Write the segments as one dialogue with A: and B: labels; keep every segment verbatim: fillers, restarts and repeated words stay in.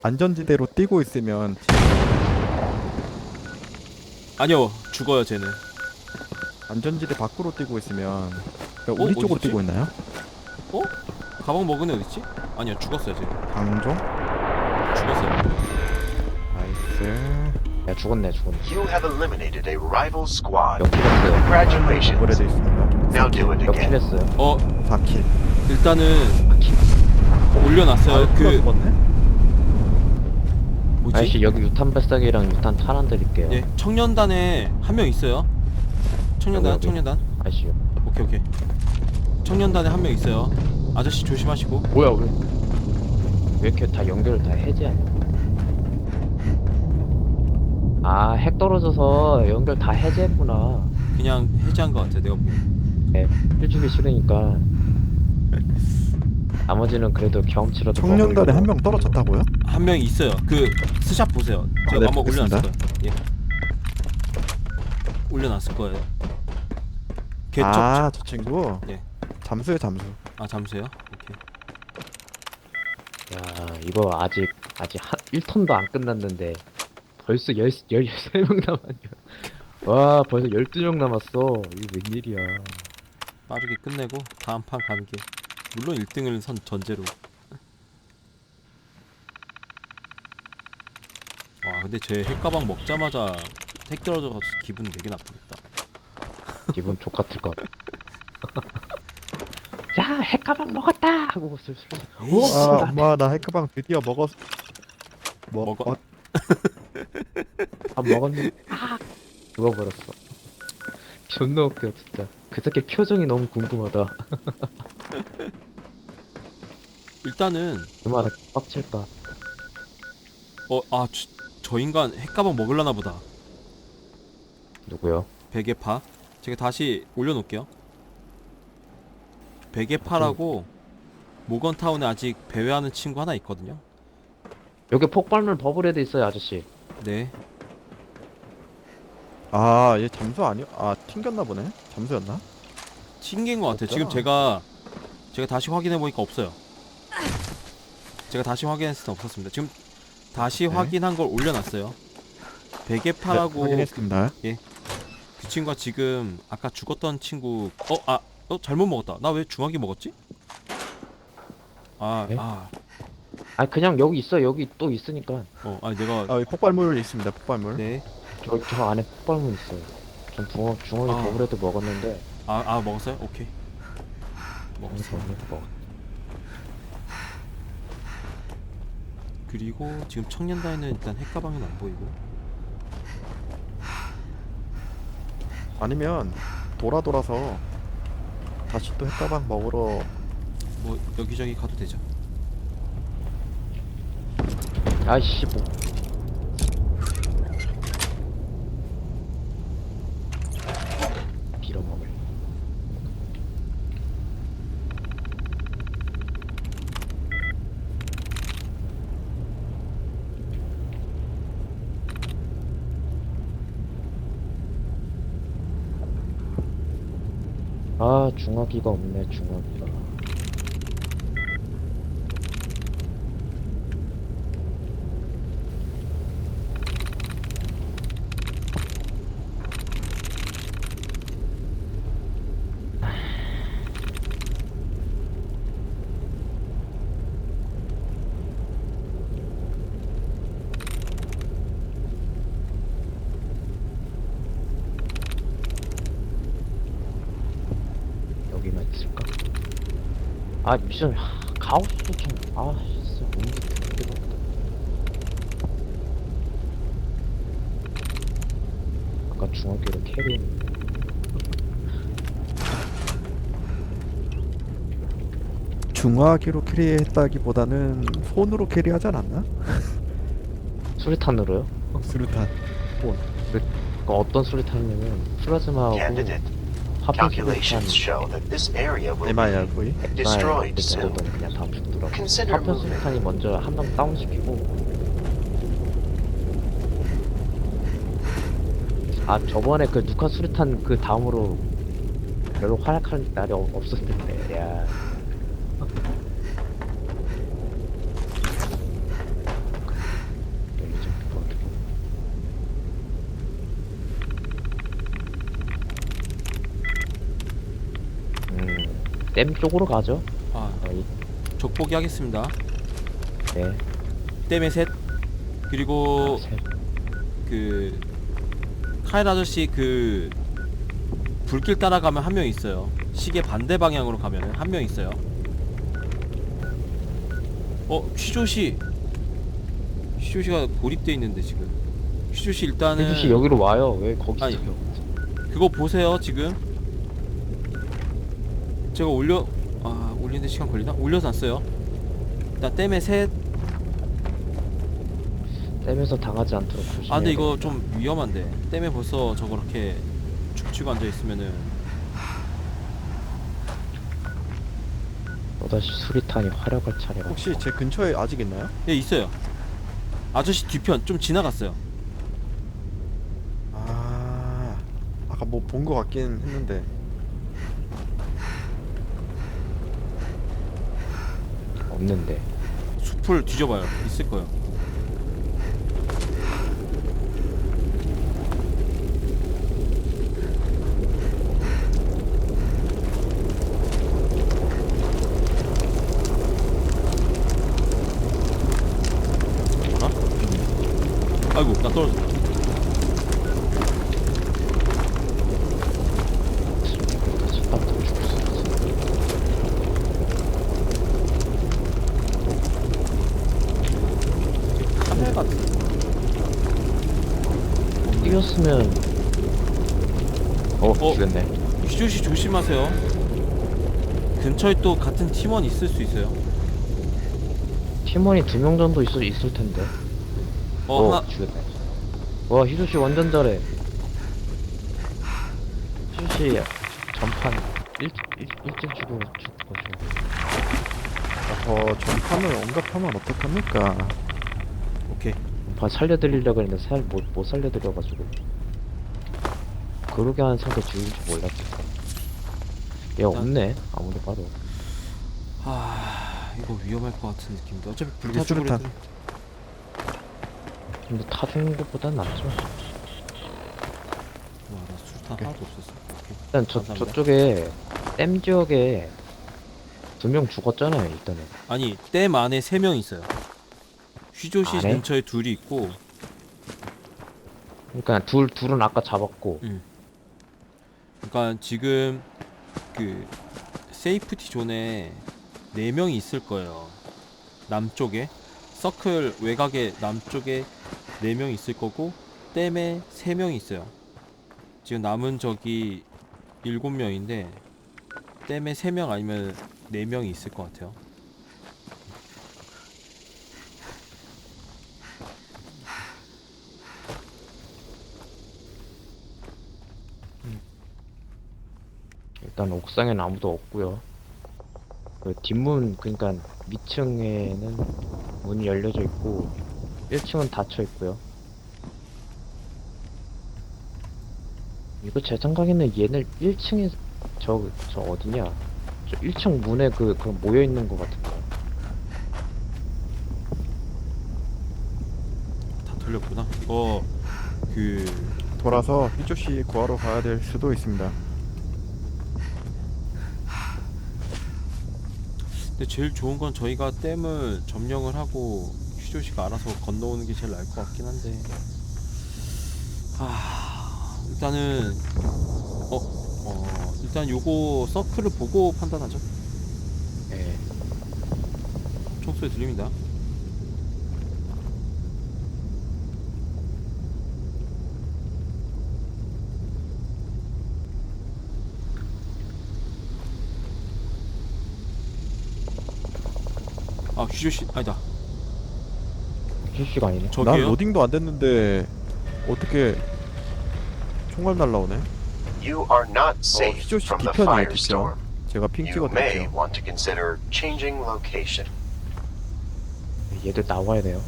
A: 안전지대로 뛰고 있으면
B: 아니요, 죽어요 쟤는.
A: 안전지대 밖으로 뛰고 있으면 그러니까
B: 어?
A: 우리 쪽으로
B: 어딨지?
A: 뛰고 있나요?
B: 어? 가방 먹은 애 어딨지? 아니요, 죽었어요 쟤.
A: 방종?
B: 죽었어요.
A: 나이스.
C: 야 죽었네 죽었네.
D: You have eliminated a rival squad.
C: 역킬했어요.
D: Congratulations.
A: 거래돼 있습니다.
D: Now do it again.
C: 역킬했어요.
B: 어,
A: 사 킬.
B: 일단은 올려놨어요.
A: 아,
B: 그
A: 죽었네?
B: 뭐지?
C: 아저씨 여기 유탄 발사기랑 유탄 탄환 드릴게요.
B: 예, 청년단에 한 명 있어요. 청년단,
C: 여기, 여기.
B: 청년단.
C: 아저씨
B: 오케이 오케이. 청년단에 한 명 있어요. 아저씨 조심하시고.
C: 뭐야 왜? 왜 이렇게 다 연결을 다 해제하냐? 아 핵 떨어져서 연결 다 해제했구나.
B: 그냥 해제한 것 같아 내가 보기엔.
C: 네, 필주기 싫으니까. 나머지는 그래도 경험치라도
A: 청년단에
C: 먹으려고.
A: 한 명 떨어졌다고요?
B: 한 명 있어요. 그 스샷 보세요. 제가
A: 아, 네,
B: 한번 올려놨을
A: 보겠습니다.
B: 거예요. 예. 올려놨을 거예요. 개척.
A: 아, 저 친구?
B: 예.
A: 잠수요, 잠수.
B: 아 잠수요? 오케이.
C: 야 이거 아직 아직 한 일 턴도 안 끝났는데 벌써 열 열세 명 남았냐? 와 벌써 열두 명 남았어. 이게 웬일이야?
B: 빠르게 끝내고 다음 판 가는 게 물론 일 등을 선 전제로. 와 근데 제 핵가방 먹자마자 핵 떨어져서 기분 되게 나쁘겠다.
C: 기분 족같을 것 같아. 야 핵가방 먹었다 하고 슬슬. 오,
A: 아, 엄마, 나 핵가방 드디어 먹었... 뭐,
B: 먹어?
A: 어,
C: 밥 먹었는데 아 죽어버렸어. 존나 웃겨 진짜. 그 새끼 표정이 너무 궁금하다.
B: 일단은
C: 얼마나 빡칠까.
B: 어아 저 인간 핵가방 먹을라나 보다.
C: 누구요?
B: 베개파. 제가 다시 올려놓을게요. 베개파라고 모건타운에 아직 배회하는 친구 하나 있거든요.
C: 여기 폭발물 버블헤드 있어요 아저씨.
B: 네.
A: 아, 얘 잠수 아니야? 아, 튕겼나 보네? 잠수였나?
B: 튕긴 것 같아요. 지금
A: 없잖아.
B: 제가 제가 다시 확인해 보니까 없어요. 제가 다시 확인했을 때 없었습니다. 지금 다시
A: 네.
B: 확인한 걸 올려놨어요.
A: 네,
B: 베개파라고
A: 확인했습니다.
B: 그 친구가 지금 아까 죽었던 친구 어? 아! 어? 잘못 먹었다. 나 왜 중화기 먹었지? 아,
C: 네?
B: 아,
C: 아 그냥 여기 있어. 여기 또 있으니까.
B: 어, 아 내가
A: 아, 여기 폭발물 있습니다, 폭발물.
B: 네,
C: 저, 저 안에 폭발물 있어요. 전 붕어, 중얼이
B: 아.
C: 버블헤드 먹었는데
B: 아, 아 먹었어요? 오케이.
C: 중얼이
B: 먹었어.
C: 버블헤드 먹었.
B: 그리고 지금 청년단에는 일단 핵가방은 안 보이고.
A: 아니면 돌아 돌아서 다시 또 핵가방 먹으러
B: 뭐 여기저기 가도 되죠.
C: 아이씨 뭐. 빌어먹을. 아 중화기가 없네 중화기가. 여기만 있을까? 아 미션 하, 가오스도 참아 진짜 뭔지 되게 없다. 아까 중화기로 캐리.
A: 중화기로 캐리했다기보다는 손으로 캐리하지 않았나?
C: 수리탄으로요?
A: 수류탄.
C: 그 어떤 수리탄이냐면 플라즈마하고
D: Candidate,
C: 화평 수리탄.
D: calculations show that this area will
A: 에마야
D: be
A: 거의.
D: destroyed soon.
C: 네, 그냥 다 죽더라고.
D: Consider
C: 화평
D: moving.
C: 수리탄이 먼저 한 명 다운시키고. 아 저번에 그 누카 수리탄 그 다음으로 별로 활약할 날이 없- 없었을 텐데. 야. 댐 쪽으로 가죠.
B: 아
C: 거의.
B: 적보기 하겠습니다.
C: 네.
B: 댐의 셋. 그리고
C: 아, 셋.
B: 그 카일 아저씨 그 불길 따라가면 한 명 있어요. 시계 반대 방향으로 가면 한 명 있어요. 어 휘조씨 휘조씨가 고립돼 있는데 지금. 휘조씨 일단은
C: 혜주씨 여기로 와요. 왜 거기
B: 아니.
C: 있어요?
B: 그거 보세요 지금. 제가 올려 아 올리는데 시간 걸리나? 올려놨어요. 일단 댐의 셋.
C: 댐에서 당하지 않도록 조심해야
B: 아 근데 이거
C: 됩니다.
B: 좀 위험한데. 댐에 벌써 저렇게 죽치고 앉아있으면은.
C: 또다시 수리탄이 활약할 차례가.
A: 혹시 제 근처에 아직 있나요?
B: 예 있어요. 아저씨 뒤편 좀 지나갔어요.
A: 아 아까 뭐 본 거 같긴 했는데.
C: 없는데.
B: 숲을 뒤져봐요. 있을 거예요. 뭐라? 아이고 나 떨어졌다.
C: 첫방부터 죽을 수 있어.
B: 카멜 같은.
C: 뛰었으면. 어,
B: 어?
C: 죽였네.
B: 휘조씨 조심하세요. 근처에 또 같은 팀원 있을 수 있어요.
C: 팀원이 두 명 정도 있을 있을 텐데.
B: 어
C: 어,
B: 하나
C: 죽였네. 와, 희수 씨 완전 잘해. 희수 씨 전판 일 일 일찍 죽어 죽고
A: 저 전판을 언급하면 어떡합니까?
B: 오케이.
C: 전판 살려드리려고 했는데 살 못 못 살려드려가지고. 그러게 한 상대 죽일 줄 몰랐지. 얘 없네. 아무리 봐도.
B: 아 이거 위험할 것 같은 느낌인데 어차피
A: 이게
B: 불타죽으로
A: 수류탄.
B: 해도-
C: 근데 타주는 것보단 낫죠.
B: 와나 술탄
A: 오케이.
B: 하나도 없었어. 오케이.
C: 일단 저
B: 감사합니다.
C: 저쪽에 댐 지역에 두 명 죽었잖아요. 일단은.
B: 아니 댐 안에 세 명 있어요. 휘조씨
C: 안에?
B: 근처에 둘이 있고.
C: 그러니까 둘 둘은 아까 잡았고.
B: 음. 그러니까 지금 그 세이프티 존에 네 명이 있을 거예요. 남쪽에 서클 외곽에 남쪽에 네 명이 있을 거고 댐에 세 명이 있어요. 지금 남은 적이 일곱 명인데 댐에 세 명 아니면 네 명이 있을 것 같아요.
C: 일단 옥상에는 아무도 없고요. 그 뒷문 그러니까 위층에는 문이 열려져 있고 일 층은 닫혀 있고요. 이거 제 생각에는 얘네 일 층에 저 저 어디냐? 저 일 층 문에 그 그 모여 있는 것 같은데.
B: 다 털렸구나. 이거 그
A: 돌아서 휘조씨 구하러 가야 될 수도 있습니다.
B: 근데 제일 좋은 건 저희가 댐을 점령을 하고 휘조씨가 알아서 건너오는 게 제일 나을 것 같긴 한데. 아 일단은 어, 어 일단 요거 서클을 보고 판단하죠.
C: 예.
B: 총소리 들립니다. 아 휘조씨 아니다.
C: 실시가 아니네.
A: 난
B: 저기요?
A: 로딩도 안 됐는데 어떻게 총알 날라오네?
D: You are not safe
A: 휘조씨
D: from the
A: 뒤편이에요, 뒤편.
D: firestorm.
A: 제가 핑
D: You may
A: 찍어드릴게요.
D: want to consider changing location.
C: 얘들 나와야 돼요.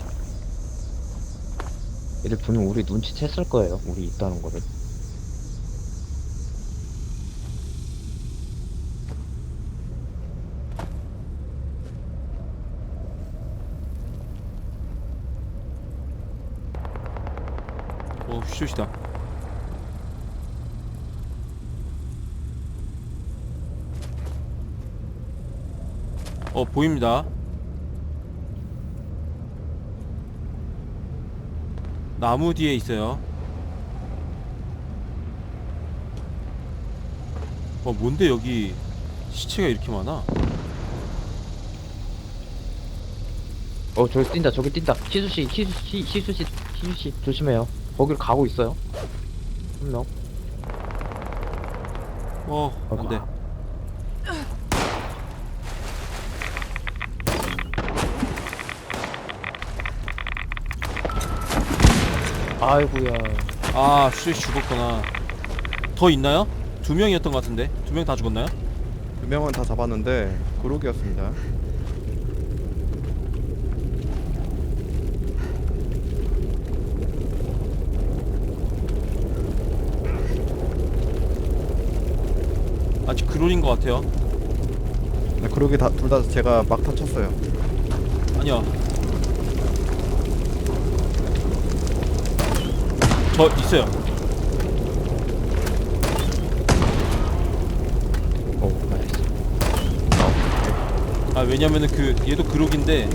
C: 얘들 분명 우리 눈치챘을 거예요. 우리 있다는 거를.
B: 어 휘조씨다. 어 보입니다. 나무 뒤에 있어요. 어 뭔데 여기 시체가 이렇게 많아?
C: 어 저기 뛴다 저기 뛴다. 희수씨 희수씨 희수씨 희수씨 조심해요. 거길 가고 있어요. 한 명.
B: 어 안돼.
C: 아이고야.
B: 아 슈 죽었구나. 더 있나요? 두 명이었던 것 같은데 두 명 다 죽었나요?
A: 두 명은 다 잡았는데 그룹이었습니다.
B: 아직 그롤인 것 같아요.
A: 네, 그룹이 다 둘 다 제가 막 다쳤어요.
B: 아니야. 저 있어요.
C: 오 나이스.
B: 아 왜냐면은 그 얘도 그룹인데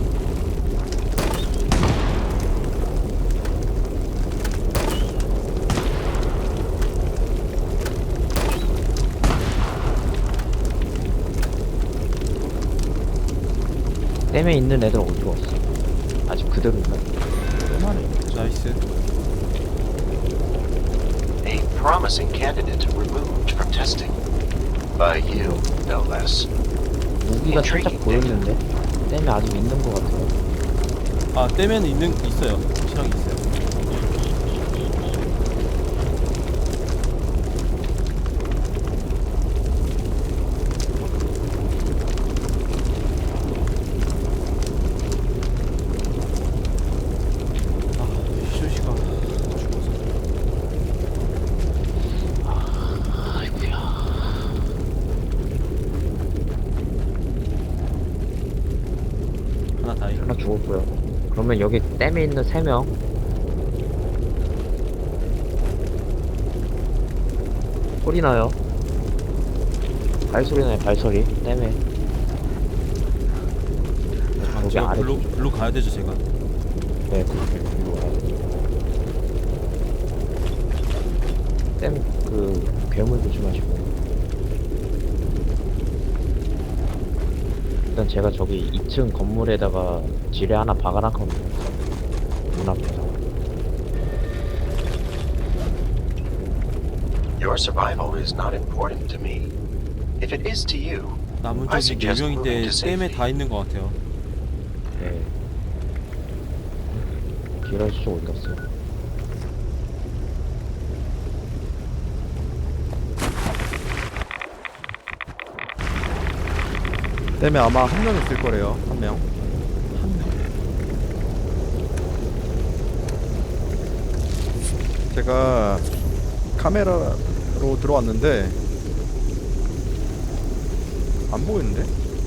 C: 댐에 있는 애들 어디로 갔어? 아직 그대로 있나? 얼마나
B: 나이스.
D: A promising candidate removed from testing. By you, no less.
C: 무기가 살짝 보였는데 댐에 아직 있는 것 같아요.
B: 아 떼면 있는 있어요. 확실하게 있어요. 아 슈시가 죽어서.
C: 아이고야.
B: 하나 다이.
C: 하나 죽었고요. 그러면 여기 댐에 있는 세 명. 소리 나요. 발소리 나요. 발소리. 댐에.
B: 잠깐
C: 여기
B: 제가
C: 아래.
B: 글로 글로 가야 되죠 제가.
C: 네, 그렇게 위로 와야 돼. 댐그 괴물 조심하시고. 일단 제가 저기 이 층 건물에다가 지뢰 하나 박아놨거든요. 문 앞에서.
D: Your survival is not important to me. If it is to you,
B: 남은
D: I
B: 쪽이 네
D: suggest
B: 명인데
D: moving to
B: 댐에
D: safety.
B: 다 있는 것 같아요.
C: 네. 길어지 쪽 어디 갔어요?
A: 땜에 아마 한 명 있을 거래요. 한 명.
B: 한 명.
A: 제가 카메라로 들어왔는데 안 보이는데?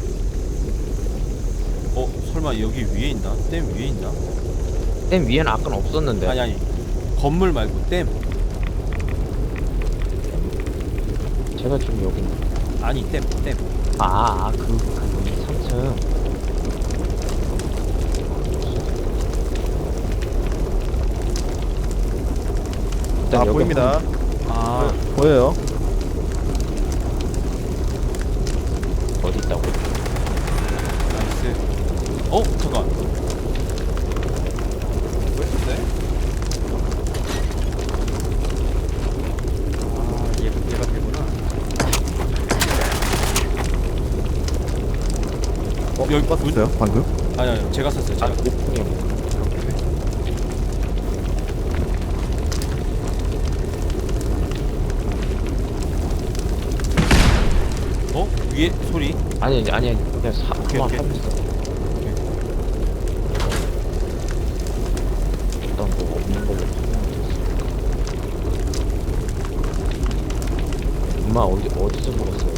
B: 어 설마 여기 위에 있나? 댐 위에 있나?
C: 댐 위에는 아까는 없었는데.
B: 아니 아니 건물 말고 댐.
C: 제가 지금 여기.
B: 아니 댐 댐.
C: 아, 아, 그, 그, 삼 층. 일단
A: 아
C: 여기
A: 보입니다.
B: 아
A: 보여요.
C: 한- 어디 있다고?
B: 나이스. 어 잠깐.
A: 보였는데? 아 얘, 얘가 되구나. 어?
B: 여기
A: 누가 썼어요? 방금?
B: 아니 아니 제가 샀어요
C: 아,
B: 제가.
C: 오픈이요.
B: 어 위에 소리.
C: 아니, 아니, 아니, 그냥 사,
B: 오케이,
C: 한번
B: 오케이.
C: 사줬어. 일단 뭐 없는 걸로 판명을 엄마 어디, 어디서 먹었어요?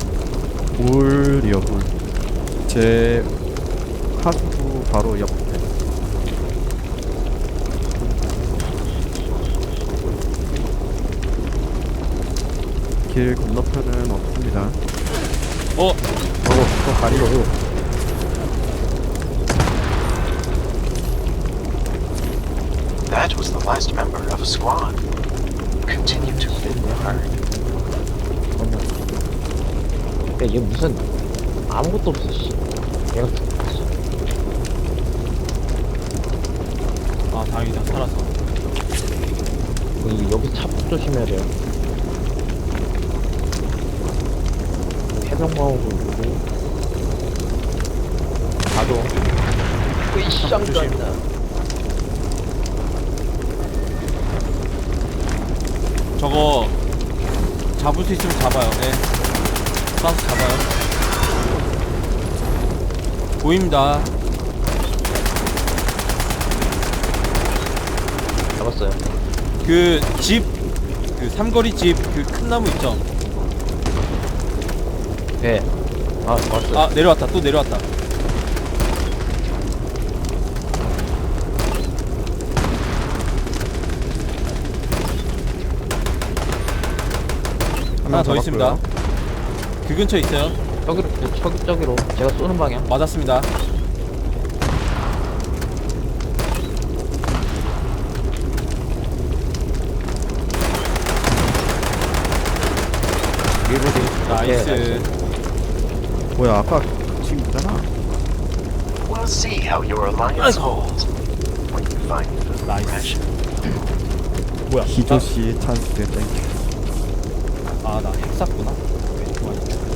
A: 홀이요 홀. 제 하수구 바로 옆에. 길 건너편은 없습니다.
B: 어
A: 어
C: 또 가리로.
D: That was the last member of a squad. Continue to bid hard.
C: 야, 얘 무슨 아무것도 없어, 씨. 얘가
B: 아 다행이다 살아서.
C: 이 여기 차폭 조심해야 돼요. 해병광하고 누구? 가도. 으이쌍
B: 조심. 저거 잡을 수 있으면 잡아요. 네. 쏴서 잡아요. 보입니다.
C: 잡았어요.
B: 그 집, 그 삼거리 집 그 큰 나무 있죠?
C: 네. 아, 왔어요.
B: 아 내려왔다. 또 내려왔다. 하나 더 있습니다. 그 근처에 있어요.
C: 저기로, 저기, 저기로. 제가 쏘는 방향.
B: 맞았습니다.
C: 일부리.
B: 나이스.
A: 뭐야 아까 친구잖아.
D: We'll see how your alliance
B: 아이고.
D: holds when you find the
B: 나이스.
D: ration.
B: 뭐야?
A: 기조 씨의 찬스 땡큐.
B: 아나 핵 쐈구나. 왜 좋아했냐?